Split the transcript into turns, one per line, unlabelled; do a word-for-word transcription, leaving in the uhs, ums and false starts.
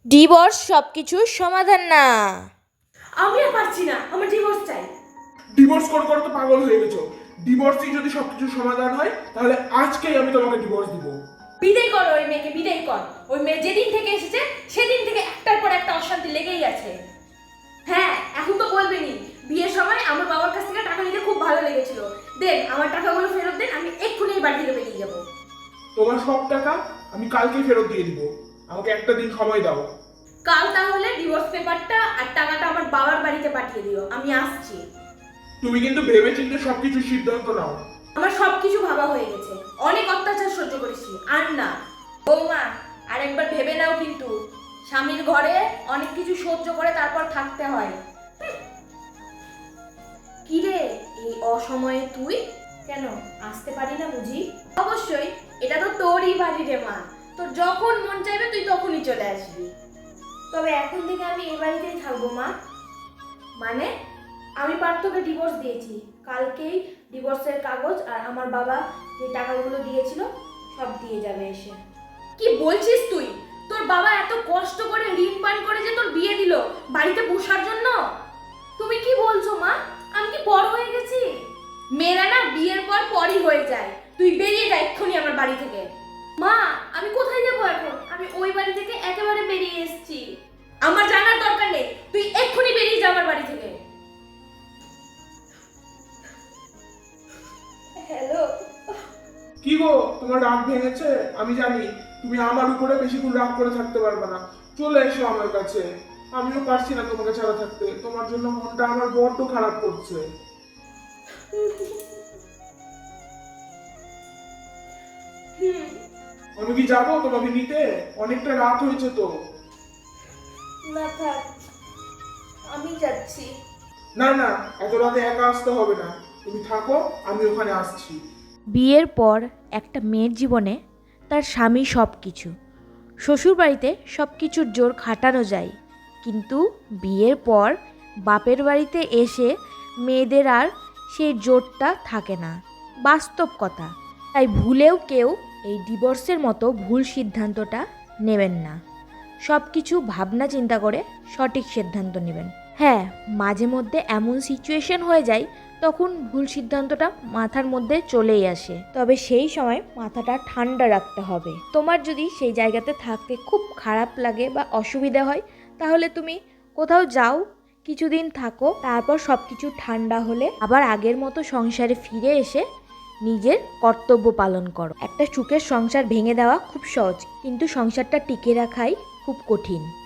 Divorce সব কিছুর সমাধান না।
আমি আর পারছি না, আমার ডিভোর্স চাই।
ডিভোর্স করে করে তো পাগল হয়ে গেছো। ডিভোর্সই যদি সবকিছু সমাধান হয় তাহলে আজকেই আমি তোমাকে ডিভোর্স দিব।
বিদায় কর ওই মেয়েকে, বিদায় কর। ওই মেয়ে যেদিন থেকে এসেছে সেদিন থেকে একটার পর একটা অশান্তি লেগেই আছে। হ্যাঁ, এখন তো বলবেনি। বিয়ের সময় আমার বাবার কাছ থেকে টাকা নিতে খুব ভালো লেগেছিল। দেন আমার টাকাগুলো ফেরত দেন, আমি এক্ষুনি এই বাড়ি থেকে বেরিয়ে যাবো।
তোমার সব টাকা আমি কালকেই ফেরত দিয়ে দিব। আমাকে একটা দিন সময় দাও।
কাল তাহলে ডিভোর্স পেপারটা আর টাকাটা আমার বাবার বাড়িতে পাঠিয়ে দিও, আমি আসছি।
তুমি কিন্তু ভেবেচিন্তে সবকিছু সিদ্ধান্ত নাও।
আমার সবকিছু ভাবা হয়ে গেছে, অনেক অত্যাচার সহ্য করেছি, আর না। বৌমা, আর একবার ভেবে নাও কিন্তু, স্বামীর ঘরে অনেক কিছু সহ্য করে তারপর থাকতে হয়। কি রে, এই অসময়ে তুই কেন আসতে পারি না বুঝি? অবশ্যই, এটা তো তোরই বাড়ি রে মা, তোর যখন মন চাইবে তুই তখনই চলে আসবি। তবে এখন থেকে আমি এই বাড়িতেই থাকবো মা। মানে আমি পার্থকে ডিভোর্স দিয়েছি, কালকেই ডিভোর্সের কাগজ আর আমার বাবা যে টাকাগুলো দিয়েছিল সব দিয়ে যাবে এসে। কি বলছিস তুই? তোর বাবা এত কষ্ট করে ঋণ পান করে যে তোর বিয়ে দিল বাড়িতে বসার জন্য? তুমি কি বলছো মা? আমি কি বড় হয়ে গেছি? মেয়েরা না বিয়ের পর পরই হয়ে যায়। তুই বেরিয়ে যা এক্ষুনি আমার বাড়ি থেকে। মা, আমি কোথায় যাবো এখন? আমি ওই বাড়ি থেকে একেবারে বেরিয়ে এসেছি। আমার জানার দরকার নেই, তুই এক্ষুনি বেরিয়ে যা আমার বাড়ি থেকে। হ্যালো।
কি গো, তোমার রাগ ভেঙেছে? আমি জানি তুমি আমার উপরে বেশিক্ষণ রাগ করে থাকতে পারবে না। চলে এসো আমার কাছে। আমিও পারছি না তোমাকে ছাড়া থাকতে। তোমার জন্য মনটা আমার বড্ড খারাপ করছে।
হুম,
আমি কি যাবো তোমাকে নিতে? অনেকটা রাত হয়েছে তো।
না থাক, আমি যাচ্ছি।
না না, এত রাতে একা আসতে হবে না। তুমি থাকো, আমি ওখানে আসছি।
বিয়ের পর একটা মেয়ের জীবনে তার স্বামী সব কিছু। শ্বশুরবাড়িতে সব কিছুর জোর খাটানো যায়, কিন্তু বিয়ের পর বাপের বাড়িতে এসে মেয়েদের আর সেই জোরটা থাকে না। বাস্তব কথা। তাই ভুলেও কেউ এই ডিভোর্সের মতো ভুল সিদ্ধান্তটা নেবেন না। সব কিছু ভাবনা চিন্তা করে সঠিক সিদ্ধান্ত নেবেন। হ্যাঁ, মাঝে মধ্যে এমন সিচুয়েশন হয়ে যায় তখন ভুল সিদ্ধান্তটা মাথার মধ্যে চলেই আসে, তবে সেই সময় মাথাটা ঠান্ডা রাখতে হবে। তোমার যদি সেই জায়গাতে থাকতে খুব খারাপ লাগে বা অসুবিধা হয়, তাহলে তুমি কোথাও যাও, কিছুদিন থাকো, তারপর সব কিছু ঠান্ডা হলে আবার আগের মতো সংসারে ফিরে এসে নিজের কর্তব্য পালন করো। একটা সুখের সংসার ভেঙে দেওয়া খুব সহজ, কিন্তু সংসারটা টিকে রাখাই খুব কঠিন।